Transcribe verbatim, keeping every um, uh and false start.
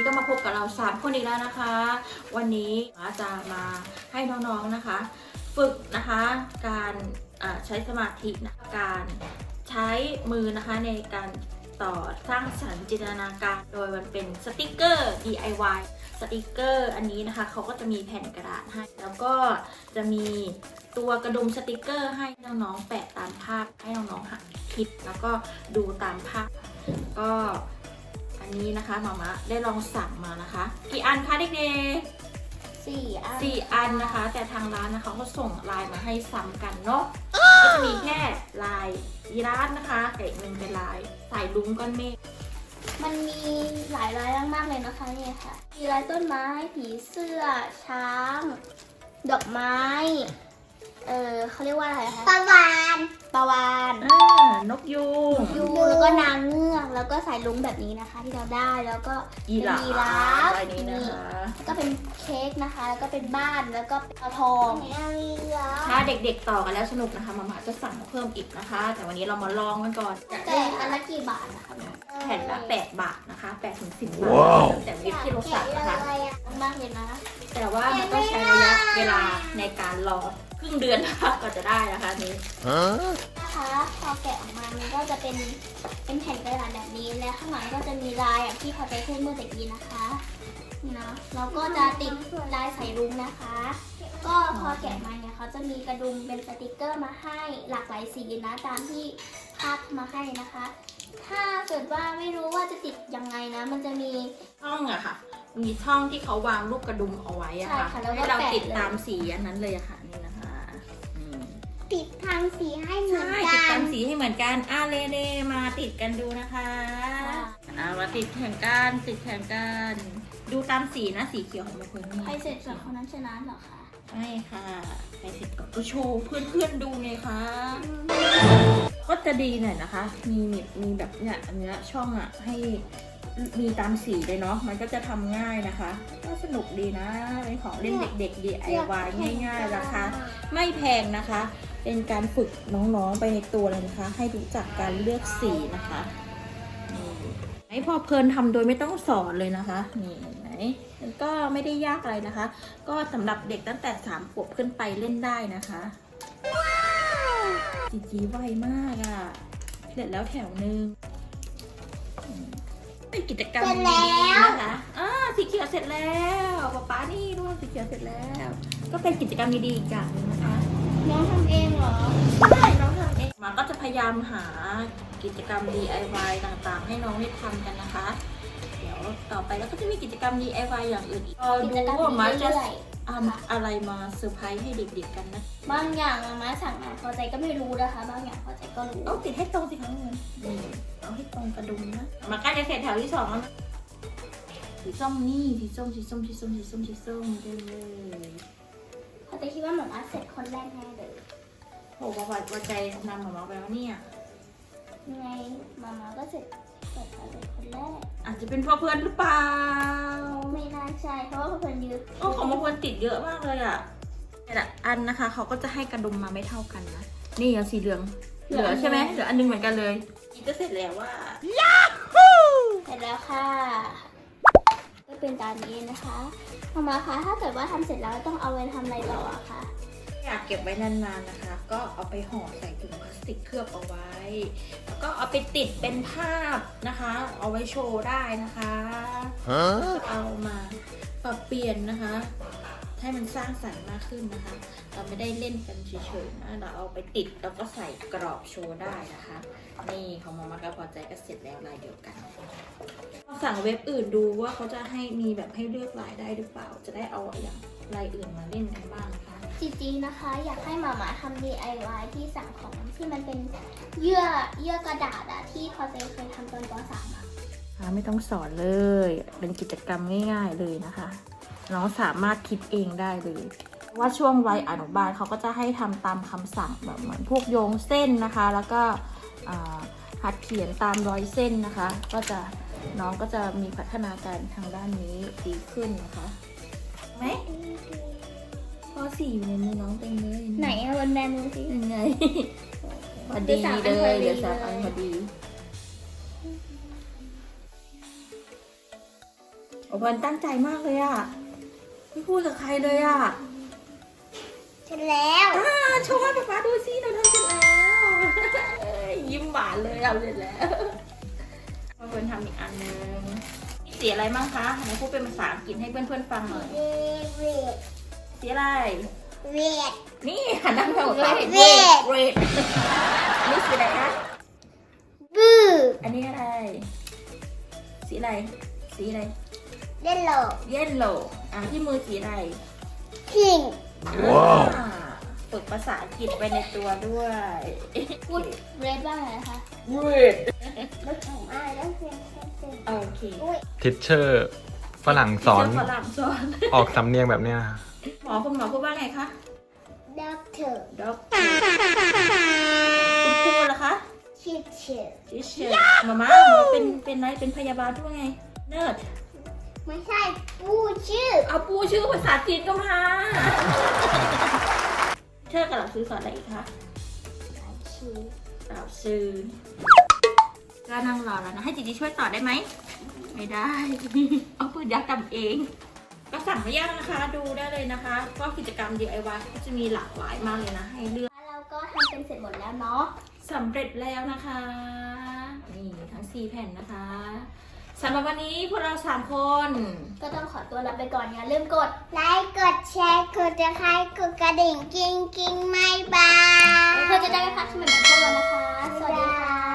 ก็มาพบกับเราสามคนอีกแล้วนะคะ วันนี้อาจะมาให้น้องๆนะคะ ฝึกนะคะการใช้สมาธินะการใช้มือนะคะในการต่อสร้างสรรค์จินตนาการโดยมันเป็นสติกเกอร์ ดี ไอ วาย สติกเกอร์อันนี้นะคะเขาก็จะมีแผ่นกระดาษให้แล้วก็จะมีตัวกระดุมสติกเกอร์ให้น้องๆแปะตามภาพให้น้องๆหัดคิดแล้วก็ดูตามภาพก็อันนี้นะคะหมามาได้ลองสั่งมานะคะกี่อันคะเด็กๆสี่อันสี่อันนะคะแต่ทางร้านนะคะเขาส่งลายมาให้ซ้ำกันเนาะก็จะมีแค่ลายยีราฟนะคะกับอีกหนึ่งเป็นลายสายลุ้งก้อนเมฆมันมีหลายลายมากๆเลยนะคะเนี่ยค่ะมีลายต้นไม้ผีเสื้อช้างดอกไม้เออเขาเรียกว่าอะไรคะปลาวานปลาวานนกยูงยูงแล้วก็นางเงือกแล้วก็สายลุ้งแบบนี้นะคะที่เราได้แล้วก็ยีราฟอะไรนี้นะคะแล้วก็เป็นเค้กนะคะแล้วก็เป็นบ้านแล้วก็เป็นทองถ้าเด็กๆต่อกันแล้วสนุกนะคะมาม่าจะสั่งเพิ่มอีกนะคะแต่วันนี้เรามาลองกันก่อนแต่อันละกี่บาทนะคะแผ่นละแปดบาทนะคะแปดถึงสิบบาทแต่วิปที่เราสั่งนะคะมากเลยนะแต่ว่ามันต้องใช้ระยะเวลาในการรอครึ่งเดือนนะคะก็จะได้นะคะนี้นะคะพอแกะออกมามันก็จะเป็นเป็นแผ่นกระดาษแบบนี้และข้างหลังก็จะมีลายอย่างที่พอใจพูดเมื่อตะกี้นะคะนี่นะเราก็จะติดลายสายรุ้งนะคะก็พอแกะมาเนี่ยเขาจะมีกระดุมเป็นสติกเกอร์มาให้หลากหลายสีนะตามที่ภาพมาให้นะคะ ถ้าเกิดว่าไม่รู้ว่าจะติดยังไงนะมันจะมีช่องอะค่ะมีช่องที่เขาวางลูกกระดุมเอาไว้อะค่ะให้เราติดตามสีอันนั้นเลยอะค่ะนี่นะคะติดทางสีให้เหมือนกันติดตามสีให้เหมือนกันอ่ะเลเดมาติดกันดูนะคะอ่ะมาติดแข่งกันติดแข่งกันดูตามสีนะสีเขียวของมันคือใครเสร็จจากคนนั้นชนะเหรอคะใช่ค่ะใครเสร็จก็โชว์เพื่อนๆดูไงคะก็จะดีหน่อยนะคะมีมีแบบเนี้ยอันเนี้ยช่องอ่ะให้มีตามสีเลยเนาะมันก็จะทำง่ายนะคะก็สนุกดีนะเป็นของเล่นเด็กๆ ดี ไอ วาย ง่ายๆราคาไม่แพงนะคะเป็นการฝึกน้องๆไปในตัวเลยนะคะให้รู้จักการเลือกสีนะคะนี่พอเพลินทำโดยไม่ต้องสอนเลยนะคะนี่ไหนมันก็ไม่ได้ยากอะไรนะคะก็สำหรับเด็กตั้งแต่สามขวบขึ้นไปเล่นได้นะคะจีจีไวมากอ่ะเสร็จแล้วแถวนึงเป็นกิจกรรมดีๆนะคะอ่าสีเขียวเสร็จแล้วป๊าป๊านี่ด้วยสีเขียวเสร็จแล้วก็เป็นกิจกรรมดีๆอีกอย่างนึงนะคะน้องทำเองเหรอใช่น้องทำเองมาก็จะพยายามหากิจกรรม ดี ไอ วาย ต่างๆให้น้องได้ทำกันนะคะเดี๋ยวต่อไปแล้วก็จะมีกิจกรรม ดี ไอ วาย อย่างอื่นอีกรอดูว่ามาจะอะไรมาเซอร์ไพรส์ให้เด็กๆกันนะบางอย่างมาสั่งมาพอใจก็ไม่รู้นะคะบางอย่างพอใจก็รู้เอาติดให้ตรงสิคะเงินเอาให้ตรงกระดุมนะมาใกล้จะเสร็จแถวที่สองแล้วสีส้มนี่สีส้มสีส้มสีส้มสีส้มสีส้มเต็มเลยพอใจคิดว่าหนูมาเสร็จคนแรกแน่เลยโหว่าว่าใจนำหมามาไปแล้วเนี่ยยังไงมามาก็เสร็จเสร็จเลยคนแรกอาจจะเป็นเพราะเพื่อนหรือเปล่าไม่น่าใช่เพราะว่าเพื่อนเยอะโอ้ของบางคนติดเยอะมากเลยอ่ะแต่ละอันนะคะเขาก็จะให้กระดุมมาไม่เท่ากันนะนี่อ่ะสีเหลืองเหลือใช่ไหมเหลืออันนึงเหมือนกันเลยนี่ก็เสร็จแล้วว่าย้าฮูเสร็จแล้วค่ะก็เป็นตามนี้นะคะมามาคะถ้าเกิดว่าทำเสร็จแล้วต้องเอาไว้ทำอะไรต่ออะคะอยากเก็บไว้นานๆนะคะก็เอาไปห่อใส่ถุงพลาสติกเคลือบเอาไว้แล้วก็เอาไปติดเป็นภาพนะคะเอาไว้โชว์ได้นะคะเอามาปรับเปลี่ยนนะคะให้มันสร้างสรรค์มากขึ้นนะคะเราไม่ได้เล่นกันเฉยๆนะเราเอาไปติดแล้วก็ใส่กรอบโชว์ได้นะคะนี่ของมาม่าก็พอใจก็เสร็จแล้วลายเดียวกันสั่งเว็บอื่นดูว่าเขาจะให้มีแบบให้เลือกลายได้หรือเปล่าจะได้เอาอย่างลายอื่นมาเล่นกันบ้างนะคะจริงๆนะคะอยากให้หมาหมาทำ ดี ไอ วาย ที่สั่งของที่มันเป็นเยื่อเยื่อกระดาษอะที่พอใจเคยทำตอนป สามอะไม่ต้องสอนเลยเป็นกิจกรรมง่ายๆเลยนะคะน้องสามารถคิดเองได้เลยว่าช่วงวัยอนุบาลเขาก็จะให้ทำตามคำสั่งแบบเหมือนพวกโยงเส้นนะคะแล้วก็หัดเขียนตามรอยเส้นนะคะก็จะน้องก็จะมีพัฒนาการทางด้านนี้ดีขึ้นนะคะไหมพอสี่อยู่ในมือน้องเต็มเลยไหนเอาบนแบมือสิยังไงพอดีเลยเดี๋ยวสามอันพอดีโอโอ้บอลตั้งใจมากเลยอ่ะไม่พูดกับใครเลยอ่ะเสร็จแล้วอ่าโชว์ให้ป๊าป๊าดูสิเราทำเสร็จแล้ว เอ้ยยิ้มหวานเลยเอาเสร็จแล้วมาเพื่อนทำอีกอันนึงมีสีอะไรบ้างคะไหนพูดเป็นภาษาอังกฤษให้เพื่อนๆฟังหน่อยเวเวดสีอะไรเวดนี่หันหน้าไปบอกว่าเห็นเรเรดดเรดนี่สีอะไรคะบูอันนี้อะไร สีอะไร สีอะไรเล่นโลเยลโล่อ่ะที่มือสีอะไรพิงว้าวฝึกภาษาอังกฤษไปในตัวด้วยพูดเรดบ้างเลยนะคะเรดแล้วแข่งมาแล้วเพียงแค่เต็มโอเคอุ้ยทิชเชอร์ฝรั่งสอนฝรั่งสอนออกสำเนียงแบบเนี้ยหมอคุณหมอพูดว่าไงคะด็อกเตอร์ด็อกคุณครูล่ะคะชิดเชอร์ทิเชอร์มาม่าหมอเป็นเป็นอะไรเป็นพยาบาลด้วยไง เนิร์ดไม่ใช่ปูชื่อเอาปูชื่อภาษาจีนก็มาเธอกับหลับซื้อสอนอะไรอีกคะชื่อหลับซื้อก็นั่งรอแล้วนะ ให้จีจีช่วยต่อได้ไหม ไม่ได้ เอาปืนยักษ์ทำเอง ก็สั่งไม่ยากนะคะ ดูได้เลยนะคะ ก็กิจกรรม ดี ไอ วาย ก็จะมีหลากหลายมากเลยนะ ให้เลือกเราก็ทำเป็นเสร็จหมดแล้วเนาะสำเร็จแล้วนะคะ นี่ทั้งสี่แผ่นนะคะสำหรับวันนี้พวกเราสามคนก็ต้องขอตัวลาไปก่อนอย่าลืมกดไลค์กดแชร์กดจะใครกดกระดิ่งกิ้งกิ้งไม่บายเพื่อจะได้ไม่พลาดคลิปใหม่ๆของพวกเรานะคะ สวัสดีค่ะ